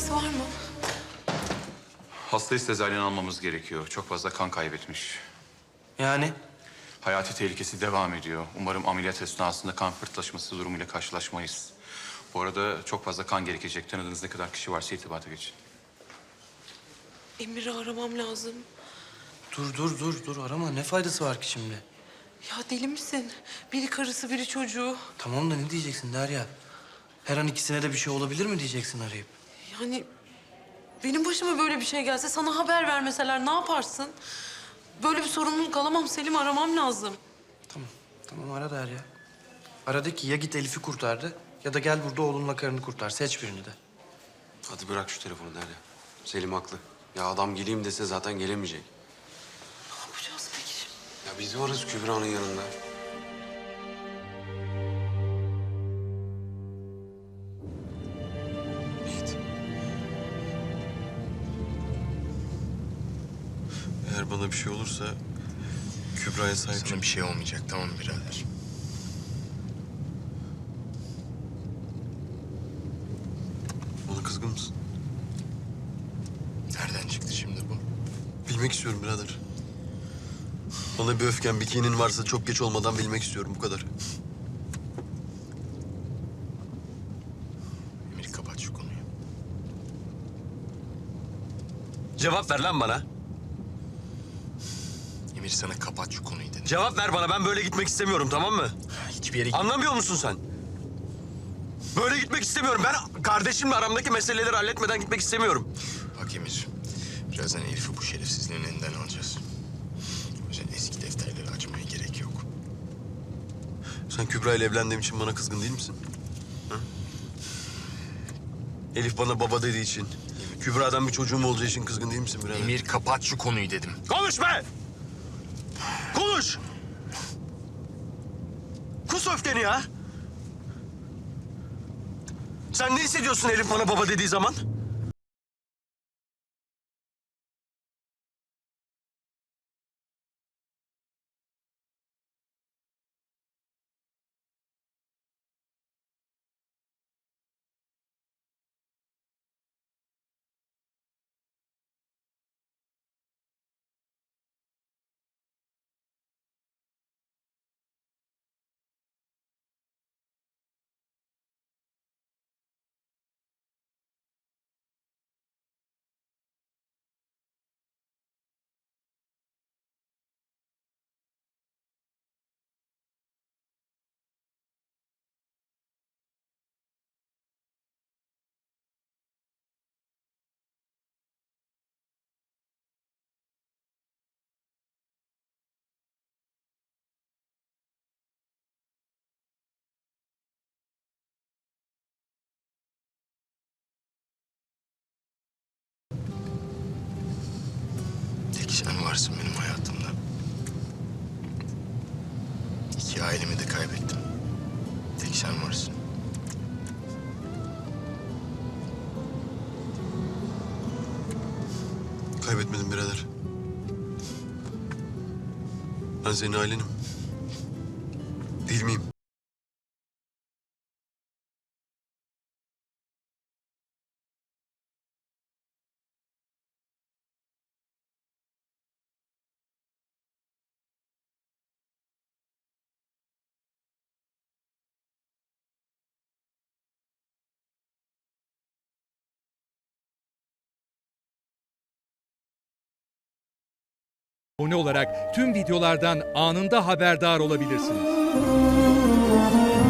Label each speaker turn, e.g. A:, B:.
A: belirtisi var mı?
B: Hastayı sezaryen almamız gerekiyor. Çok fazla kan kaybetmiş.
C: Yani?
B: Hayati tehlikesi devam ediyor. Umarım ameliyat esnasında kan pıhtılaşması durumuyla karşılaşmayız. Bu arada çok fazla kan gerekecek. Tanıdığınız ne kadar kişi varsa irtibata geçin.
A: Emir'i aramam lazım.
C: Dur arama. Ne faydası var ki şimdi?
A: Ya deli misin? Biri karısı, biri çocuğu.
C: Tamam da ne diyeceksin Derya? Her an ikisine de bir şey olabilir mi diyeceksin arayıp?
A: Yani benim başıma böyle bir şey gelse, sana haber vermeseler ne yaparsın? Böyle bir sorumluluk alamam Selim, aramam lazım.
C: Tamam ara Derya. Ara de ki ya git Elif'i kurtardı ya da gel burada oğlunla karını kurtar. Seç birini de.
D: Hadi bırak şu telefonu Derya. Selim haklı. Ya adam geleyim dese zaten gelemeyecek.
A: Ne yapacağız peki şimdi?
D: Ya biz varız Kübra'nın yanında. Yiğit.
E: Eğer bana bir şey olursa Kübra'ya sahip çık.
F: Sana bir şey olmayacak, tamam mı birader?
E: Ona kızgın mısın?
F: Nereden çıktı şimdi bu?
E: Bilmek istiyorum birader. Ona bir öfken, bir kinin varsa çok geç olmadan bilmek istiyorum, bu kadar.
F: Emir, kapat şu konuyu.
E: Cevap ver lan bana.
F: Emir, sana kapat şu konuyu dedim.
E: Cevap ver bana, ben böyle gitmek istemiyorum, tamam mı?
F: Hiçbir yere
E: Anlamıyor musun sen? Böyle gitmek istemiyorum. Ben kardeşimle aramdaki meseleleri halletmeden gitmek istemiyorum.
F: Bak Emir, birazdan Elif'i bu şerefsizliğin elinden alacağız. O yüzden eski defterleri açmaya gerek yok.
E: Sen Kübra ile evlendiğim için bana kızgın değil misin? Ha? Elif bana baba dediği için, Kübra'dan bir çocuğum olacağı için kızgın değil misin birader?
F: Emir, kapat şu konuyu dedim.
E: Konuş be! Konuş! Kus öfkeni ya! Sen ne hissediyorsun Elif bana baba dediği zaman?
F: Tek sen varsın benim hayatımda. İki ailemi de kaybettim. Tek sen varsın.
E: Kaybetmedim birader. Ben senin ailenim. Değil miyim?
G: Abone olarak tüm videolardan anında haberdar olabilirsiniz.